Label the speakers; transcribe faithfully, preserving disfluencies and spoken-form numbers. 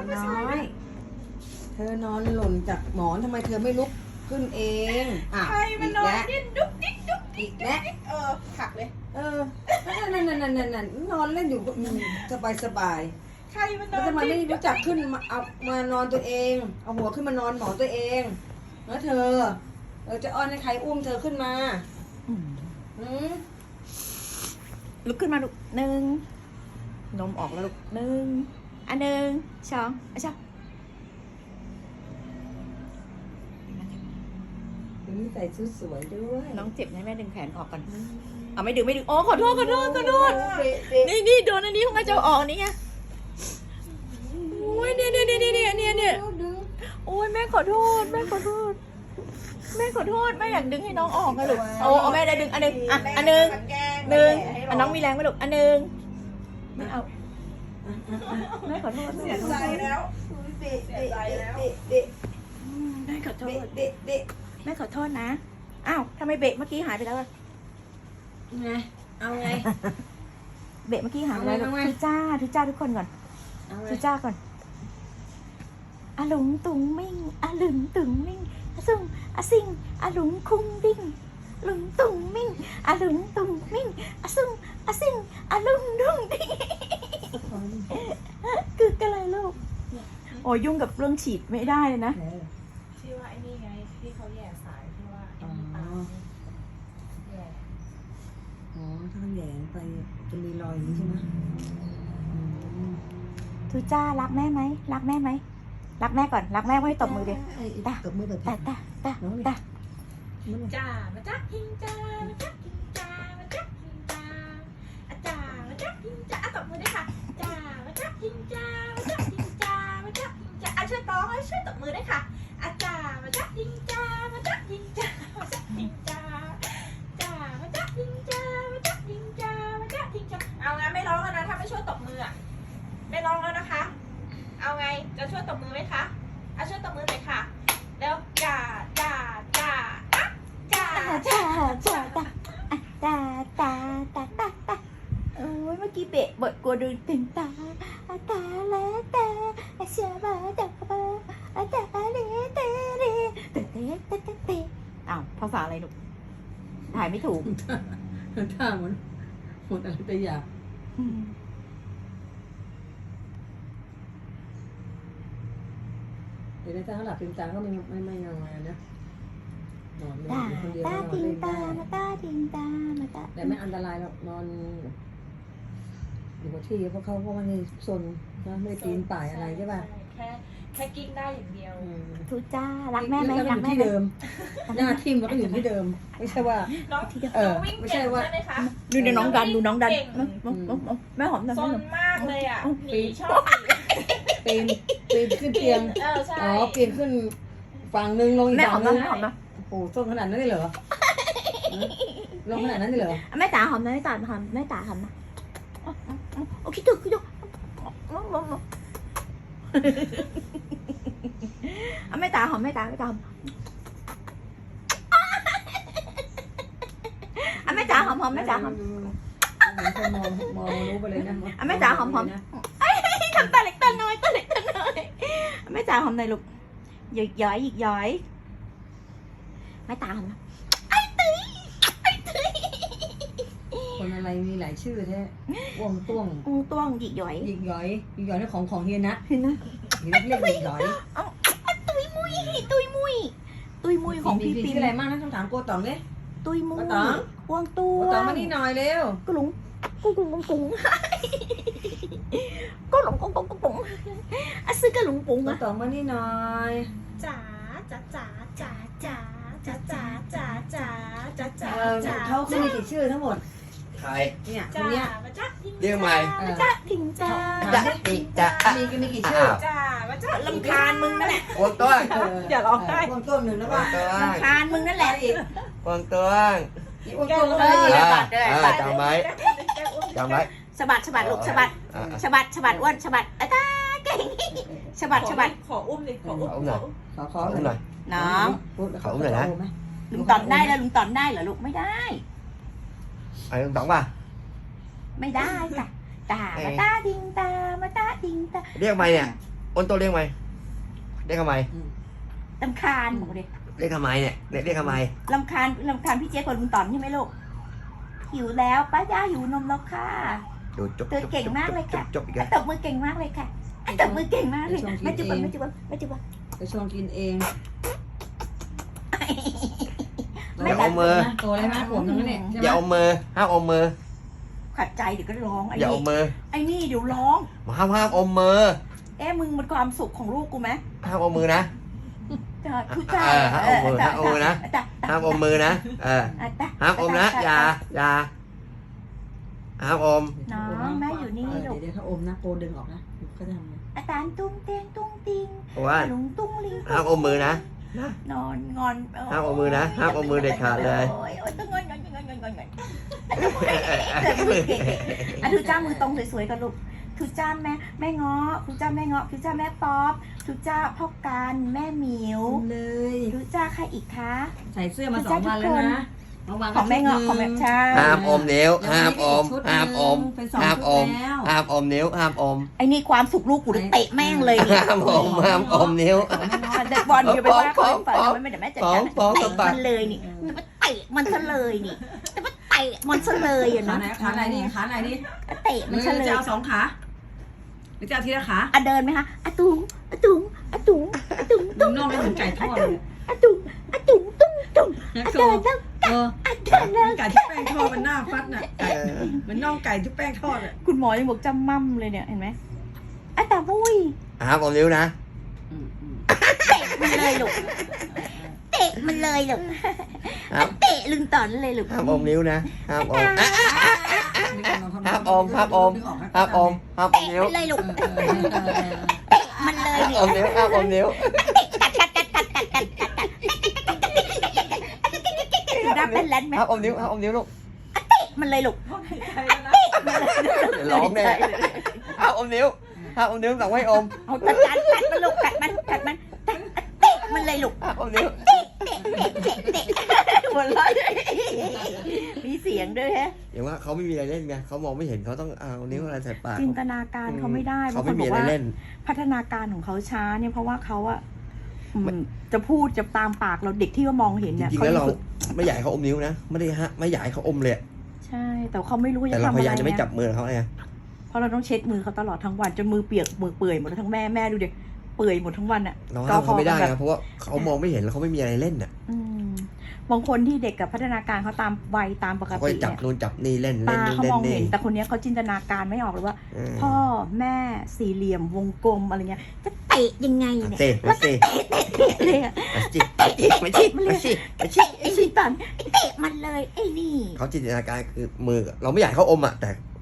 Speaker 1: น้อยเธอนอนหล่นจากหมอนทำไมเธอไม่ลุกขึ้นเองอ่ะ
Speaker 2: ใครมันนอนดิ้นดุ๊กดิ๊กดุ๊กดิ๊
Speaker 1: อี
Speaker 2: ก
Speaker 1: กแล้ว
Speaker 2: เออขักเลย
Speaker 1: เออนั่นนั่นนั่นนั่นนั่นนอนเล่นอยู่ก็สบายสบาย
Speaker 2: ใครมันน
Speaker 1: แล้ว
Speaker 2: อน
Speaker 1: ทำไมไม่
Speaker 2: ดิ้น
Speaker 1: รู้จักขึ้นมาเอามานอนตัวเอง เอาหัวขึ้นมานอนหมอนตัวเองแล้วเธอเออจะอ้อนให้ใครอุ้มเธอขึ้นมาอืม
Speaker 3: ลุกขึ้นมาลูกหนึ่งนมออกแล้วลูกหนึ่งอันหนึ่งสองอันสอง
Speaker 1: วันนี้ใส่ชุดสวยด้วย
Speaker 3: น้องเจ็บไหมแม่ดึงแขนออกก่อนเอาไม่ดึงไม่ดึงโอ้ขอโทษขอโทษขอโทษ
Speaker 1: เด็กเด็ก
Speaker 3: นี่นี่โดนอันนี้ของอาจารย์ออกนี่ไงโอ้ยเนี่ยเนี่ยเนี่ยเนี่ยเนี่ยเนี่ยโอ้ยแม่ขอโทษแม่ขอโทษแม่ขอโทษแม่อยากดึงให้น้องออกนะลูกโอ้เอาแม่ได้ดึงอันหนึ่งอ่ะอันหนึ่งหนึ่งอันน้องมีแรงไหมลูกอันหนึ่งไม่เอาแม่ขอโทษ
Speaker 2: เสียใจแล้ว
Speaker 1: เด็กเด็กเด็กเด็ก
Speaker 3: แม่ขอโท
Speaker 1: เด็ก
Speaker 3: ษ
Speaker 1: เด็กเด็ก
Speaker 3: แม่ขอโทษนะอ้าวทำไมเบรกเมื่อกี้หายไปแล้วอะ
Speaker 1: ไงเอาไง
Speaker 3: เบรกเมื่อกี้หายไปแล้ว
Speaker 1: เอาไง
Speaker 3: ทุจ้าทุจ้าทุกคนก่อน
Speaker 1: เอาไง
Speaker 3: ทุจ้าก่อนอาหลงตุงมิ่งอาหลึงตุงมิ่งอาซุงอาซิงอาหลงคุ้งดิ้งหลงตุงมิ่งอาหลงตุงมิ่งอาซุงอาซิงอาหลงดุงดิ้งคืออะไรลูกโอ้ยยุ่งกับเรื่องฉีดไม่ได้เลยนะ
Speaker 1: เออ
Speaker 2: ที่ว่าไอ้นี่ไงที่เขาแย่สายที่ว่าไอ้น้ำตาลแย่
Speaker 1: อ๋อถ้าแหย่ไปจะมีรอยอย่างนี้ใช่ไหมอืม
Speaker 3: ทุจ้ารักแม่ไหมรักแม่ไหมรักแม่ก่อนรักแม่ไม่ตบมือดิ
Speaker 1: ตาตบมือแบบ
Speaker 3: ตาตาตาตา
Speaker 2: จ้ามาจักหิงจ้ามาจักหิงจ้ามาจักหิงจ้าอาจ้ามาจักหิงจ้าอ่ะตบมือด้วยค่ะจ้ามาจักหิงจ้ามาจักหิงจ้ามาจักหิงจ้าอ่ะช่วยร้องให้ช่วยตบมือด้วยค่ะอาจ้ามาจักหิงจ้ามาจักหิงจ้ามาจักหิงจ้าจ้ามาจักหิงจ้ามาจักหิงจ้ามาจักหิงจ้าเอางั้นไม่ร้องแล้วนะถ้าไม่ช่วยตบมืออ่ะไม่ร้องแล้วนะคะ เอาไงจะช่วยตบมือไหมคะอ่ะช่วยตบมือหน่อยค่ะเร็วจ้าจ้าจ้าอ่ะจ้า
Speaker 3: ตาตาตาตาตาตาตาตาโอ้ยเมื่อกี้เบะบดกลัวดูตึงตาตาและตาเสียบาตาบาตาเลเตเรเตเตเตเตเตอ้าวภาษาอะไรลูกถ่ายไม่ถูก
Speaker 1: ท่าเหมือนหมดอะไรแต่อยากเดี๋ยวถ้าเขาหลับลืมตาก็ไม่ไม่ไม่นอนนะนอนเล่น
Speaker 3: ตา
Speaker 1: อยู่คนเดียว
Speaker 3: ตา
Speaker 1: ก็นอน
Speaker 3: ทิง
Speaker 1: เล่น
Speaker 3: ตา
Speaker 1: ได้
Speaker 3: มาตาทิงตามาตา
Speaker 1: แต่ไม่อันตรายหรอกนอนอยู่กับที่เพราะเขาก็ไม่ได้ซนนะไม่ได้ปีนป่ายอะไรใช่ป่ะ
Speaker 2: แค่แค่กิ้งได้อย่างเดียว
Speaker 1: อืม
Speaker 3: ทุจ้ารักแม่ไหม
Speaker 1: แล้วก็
Speaker 3: รั
Speaker 1: อก ยู่
Speaker 3: แม่
Speaker 1: ที่
Speaker 3: ไหม
Speaker 1: เดิม หน้าทิ่มแล้วก็อยู่ที่เดิม ไม่ใช่ว่า
Speaker 2: น้อง
Speaker 1: เออ
Speaker 2: น้องวิ่ง
Speaker 1: ไม่
Speaker 2: เก่
Speaker 1: ใช่
Speaker 2: ง
Speaker 1: ว่า
Speaker 2: ใช่ไหมคะ
Speaker 3: ดูเดี๋ยวน้องดันดูน้องดัน
Speaker 2: เก่ง
Speaker 3: แม่หอมดัน
Speaker 2: ซ
Speaker 3: แม่
Speaker 2: น
Speaker 3: หอม
Speaker 2: มากเลยอ่ะหนีชอบหนี
Speaker 1: ปีนปีนขึ้นเตียง
Speaker 2: เออใช่
Speaker 1: อ๋อปีนขึ้นฝั่งหนึ่งลงอีก
Speaker 3: แม่หอ
Speaker 1: ฝั่
Speaker 3: ม
Speaker 1: งห
Speaker 3: นะ
Speaker 1: นึ่ง
Speaker 3: แม่หอมนะ
Speaker 1: โอ้โหส้นขนาดนั้นเลยเหรอลงขนาดนั้นเลยเหรอ
Speaker 3: แม่ตาหอมนะแม่ตาหอมแม่ตาหอมนะโอ้คิดถึงคิดถึงแม่ตาหอมแม่ตาแม่ตาหอมแม่ตาหอมหอมแม่ตาหอม
Speaker 1: เหมือนคนมองมองรู้ไปเลยนะ
Speaker 3: แม่จ๋าหอมหอมทำตาเล็กตาน้อยตาเล็กตาน้อยแม่ตาหอมหน่อยลูกหยิกย้อยหยิกย้อยแม่ตาหอมนะไอ้ตุ้ยไอ้ตุ้ย
Speaker 1: คนอะไรมีหลายชื่อแท้วงต้วง
Speaker 3: อูต้วงหยิกย้อย
Speaker 1: หยิกหย่อยหยิกหย่อยนี่ของของเฮียนะ
Speaker 3: เห็นนะ
Speaker 1: เฮียนะเรียกหยิกหย่อย
Speaker 3: ตุยมุยตุยมุยตุยมุยของพี่
Speaker 1: ปี
Speaker 3: ปิ่
Speaker 1: ชื่ออะไรบ้างนะต้องถามโกต๋องเนี่ย
Speaker 3: ตุยมุย
Speaker 1: โกต๋อง
Speaker 3: วงตัว
Speaker 1: โกต๋องมานี่หน่อยเร็ว
Speaker 3: กุหลงกุหลงกุหลงกุหลงกุหลงกุหลงกุหลงอ่ะซื้อกระหลงปุง
Speaker 1: โก
Speaker 3: อ่ะ
Speaker 1: ต๋องมานี่หน่อย
Speaker 2: จ๋าจ๋าจ๋าจ๋าจ๋าจ๋าจ๋าจ๋าจ๋าจ๋าจ๋า
Speaker 1: เออ
Speaker 2: จ๋า
Speaker 1: เขาเขามีกี่ชื่อทั้งหมด
Speaker 4: ใคร
Speaker 1: เนี่ยค
Speaker 2: จ๋าน
Speaker 1: เนี้ย
Speaker 2: มาจักหิง
Speaker 4: เรียกใหม่
Speaker 1: เออ
Speaker 3: จ้าถิงจ้า
Speaker 4: จะอีจะ
Speaker 1: มีกี่มีกี่ชื่อ
Speaker 2: จ๋ามาจัก
Speaker 3: ลำคาญมึงนั่นแหละ
Speaker 4: วงตัว
Speaker 1: เออ
Speaker 3: อย่าร้องไห้
Speaker 1: วงต้วงหนึ่งแล้ว
Speaker 4: ว
Speaker 1: ว่าง
Speaker 4: ตัว
Speaker 3: ลำคาญมึงนั่นแหละ
Speaker 1: อีก
Speaker 4: วงตัว
Speaker 1: อีกวงต้วงแล้ว
Speaker 3: เอ
Speaker 1: ก็
Speaker 3: อ
Speaker 1: อีก
Speaker 3: บัตรด้วย
Speaker 4: อ่า
Speaker 3: บัตร
Speaker 4: จำไว้จำไว้
Speaker 3: สะบัดสะบัดลูกสะบัด
Speaker 4: อ่า
Speaker 3: สะบัดสะบัดอ้วนสะบัดอ่ะตาเก่งสะบัดสะบัด
Speaker 2: ขออุ้มดิขออุ้ม
Speaker 4: เอาหน่อย
Speaker 1: ขอขอ
Speaker 4: เอาหน่อย
Speaker 3: น้อง
Speaker 4: เขาหน่อยนะ
Speaker 3: ลุงตอนได้แล้วลุงตอนได้เหรอลูกไม่ได้
Speaker 4: ไอ้ลุงต๋องป่ะ
Speaker 3: ไม่ได้จ้ะตามาตาดิงตามาตาดิงตา
Speaker 4: เรียกใหม่เนี่ยอ้นตัวเรียกไหมเรียกทำไม
Speaker 3: ลำคาญบอกเลย
Speaker 4: เรียกทำไมเนี่ยเรียกเรียกทำไม
Speaker 3: ลำคาญลำคาญพี่เจ๊กับลุงต๋อนใช่ไหมลูกหิวแล้วป้าย่าหิวนมแล้วค่ะ
Speaker 4: ดูจบ
Speaker 3: เธอเก่งมากเลยค่ะ
Speaker 4: จบอีก
Speaker 3: อ่ะ
Speaker 4: แล้ว
Speaker 3: ตบมือเก่งมากเลยค่ะอ่ะตบมือเก่งมากเลยไม่จุบไม่จุบไม่จุบ
Speaker 1: ไปชวนกินเอง
Speaker 3: ไม่
Speaker 4: อย่าเอามือ
Speaker 1: โตแล้วนะขวบนึงแล้วเนี่ยใช่ไหม
Speaker 4: อย่าเอามือห้ามอมมือ
Speaker 3: ขัดใจเดี๋ยวก็ร้องไอ้
Speaker 4: อย่า
Speaker 3: นี่
Speaker 4: เอามือ
Speaker 3: ไอ้นี่เดี๋ยวร้อง
Speaker 4: ห้ามห้ามอมมือ
Speaker 3: เอ๊ะมึงมันความสุขของลูกกูไหม
Speaker 4: ห้ามอมมือนะ
Speaker 3: คือจ้า
Speaker 4: เออห้ามอมมือห้ามอมมือนะ ห้ามอมมือนะเออห้ามอมนะอย่าอย่าห้ามอม
Speaker 3: น้องแม่อยู่นี่ลูก
Speaker 1: เดี๋ยวถ้าอมนะโปดึงออกนะเขาจะทำไง
Speaker 3: อาจารย์ตุ้งเตียงตุ้งติง
Speaker 4: เพราะว่า
Speaker 3: ลุงตุ้งลิง
Speaker 4: ห้ามอมมือนะ
Speaker 3: นอนงอน
Speaker 4: ห้ามเอามือนะห้ามเอามือเด็ดขาดเลย
Speaker 3: โอ้ยโอ้ยต้องงอนงอนงอนงอนงอนงอนอ่ะทุจ้ามือตรงสวยๆกันลูกทุจ้าแม่แม่เงาะทุจ้าแม่เงาะทุจ้าแม่ป๊อปทุจ้าพ่อการแม่หมิว
Speaker 1: เลย
Speaker 3: ทุจ้าใครอีกคะ
Speaker 1: ใส่เสื้อมาสองวันแล้วนะบางวัน
Speaker 3: ของแม่เงาะของแม่ใช่
Speaker 4: ห้ามอมนิ้วห้ามอมห้ามอม
Speaker 1: เป็นสอง
Speaker 4: ห้าม
Speaker 1: ชุ
Speaker 4: อ
Speaker 1: ด
Speaker 4: ม
Speaker 1: แล้ว
Speaker 4: ห้ามอมนิ้วห้ามอม
Speaker 3: ไอ้นี่ความสุขลูกกูเลยเตะแม่งเลยนี่
Speaker 4: ห้ามอมห้ามอมนิ้ว
Speaker 3: เด็กบอลอย่าไปว่าเขาให้ฝันไม่ได้แม่จัด
Speaker 4: ฟ้อง
Speaker 3: การ
Speaker 4: ฟ้อง
Speaker 3: เตะ
Speaker 4: กำปั้
Speaker 3: มัน นเลยนี่จะมาเตะมันซะเลยนี่จะมาเตะมันซะเลยอ่ะ
Speaker 1: ขา
Speaker 3: นะ
Speaker 1: ไหนขาไหนนี่ขาไหนนี่
Speaker 3: เตะมันซะเลย
Speaker 1: จะเอาสองขาหรือจะเอาทีละขา
Speaker 3: อะเดินไหมคะอะตุงอะตุงอะตุงอะตุง
Speaker 1: มึงน่องไม่เหมือนไก่ทอดเลย
Speaker 3: อะตุงอะตุงตุ้งตุ้ง
Speaker 1: นะ
Speaker 3: อะ
Speaker 1: โก
Speaker 3: เดินแล้ว
Speaker 1: เออ
Speaker 3: อะเดินแล้ว
Speaker 1: ไก่ที่แป้งทอดมันหน้าฟัดน่ะไก่มันน่องไก่ที่แป้งทอดอ่ะ
Speaker 3: คุณหมอยังบอกจำมั่มเลยเนี่ยเห็นไหมอะตาบุ้ย
Speaker 4: ห้ามอมนิ้วนะ
Speaker 3: เตะมันเลยลูกเตะมันเลยลูก
Speaker 4: ห้าม
Speaker 3: เตะลึงตอนเลยลูก
Speaker 4: ห้ามอมนิ้วนะห้ามอมอ่ะห้ามอมห้ามอมห้ามอมห้ามอม
Speaker 3: เตะ
Speaker 4: นิ้ว
Speaker 3: มันเลยลูกมันเลย
Speaker 4: ห้าม
Speaker 3: นี่
Speaker 4: อมนิ้วห้ามอมนิ้ว
Speaker 3: รับเป็นแลนไหม
Speaker 4: ห้ามอมนิ้วห้ามอมนิ้วลูก
Speaker 3: มันเลยลูก
Speaker 4: เดี๋ยวร้องแน่ห้ามอมนิ้วห้ามอมนิ้วสั่งไว้อม
Speaker 3: เอาจัดการกัดมันลูกกัดมันกัดมันเตะมันเลยลูก
Speaker 4: ห้ามอมนิ้ว
Speaker 3: หัวเราะมีเสียงด้วยฮะ
Speaker 4: อย่างว่าเขาไม่มีอะไรเล่นไงเขามองไม่เห็นเขาต้องเอานิ้วอะไรใส่ปาก
Speaker 3: จินตนาการเขาไม่ได้
Speaker 4: เขาไม่มีอะไรเล่น
Speaker 3: พัฒนาการของเขาช้าเนี่ยเพราะว่าเขาอะอืม
Speaker 4: มัน
Speaker 3: จะพูดจะตามปากเราเด็กที่ว่ามองเห็น
Speaker 4: จ
Speaker 3: เนี่ย
Speaker 4: ริงๆ
Speaker 3: เขา
Speaker 4: แล้วเรา
Speaker 3: ฝึก
Speaker 4: ไม่อยากให้เขาอมนิ้วนะไม่ได้ฮะไม่อยากให้เขาอมเลย
Speaker 3: ใช่ แต่เขาไม่รู้
Speaker 4: แต่
Speaker 3: จะ
Speaker 4: เรา
Speaker 3: ทำ
Speaker 4: พ
Speaker 3: อะ
Speaker 4: ยา
Speaker 3: ไร
Speaker 4: ยามจะไม่
Speaker 3: ไง
Speaker 4: จับมือเขาไง
Speaker 3: เพราะเราต้องเช็ดมือเขาตลอดทั้งวันจนมือเปียกมือเปื่อยหมดแล้วทั้งแม่แม่ดูดิเปื่อยหมดทั้งวันอะ
Speaker 4: เราห้ามเขาไม่ได้
Speaker 3: แบบ
Speaker 4: นะเพราะว่าเขามองไม่เห็นแล้วเขาไม่มีอะไรเล่นอ่ะ
Speaker 3: อืมบางคนที่เด็กกับพัฒนาการเขาตามวัยตามปก
Speaker 4: เขาก็
Speaker 3: ติ
Speaker 4: จับ
Speaker 3: เนี่ย
Speaker 4: นู่นจับนี่เล่นเล่น
Speaker 3: ตา
Speaker 4: นี่
Speaker 3: เขา
Speaker 4: เล่
Speaker 3: ม
Speaker 4: น
Speaker 3: อง
Speaker 4: นี่
Speaker 3: เห็นแต่คนเนี้ยเขาจินตนาการไม่ออกเลยว่า
Speaker 4: เออ
Speaker 3: พ่อแม่สี่เหลี่ยมวงกลมอะไรเงี้ยจะเตะยังไงเนี่ย
Speaker 4: เตะมาสิ
Speaker 3: เตะเลยอะ
Speaker 4: มาสิมาสิมาสิมาสิมาสิ
Speaker 3: ไอ้ชิตันเตะมันเลยไอ้นี่
Speaker 4: เขาจินตนาการคือมือเราไม่อยากให้เขาอมอ่ะแต่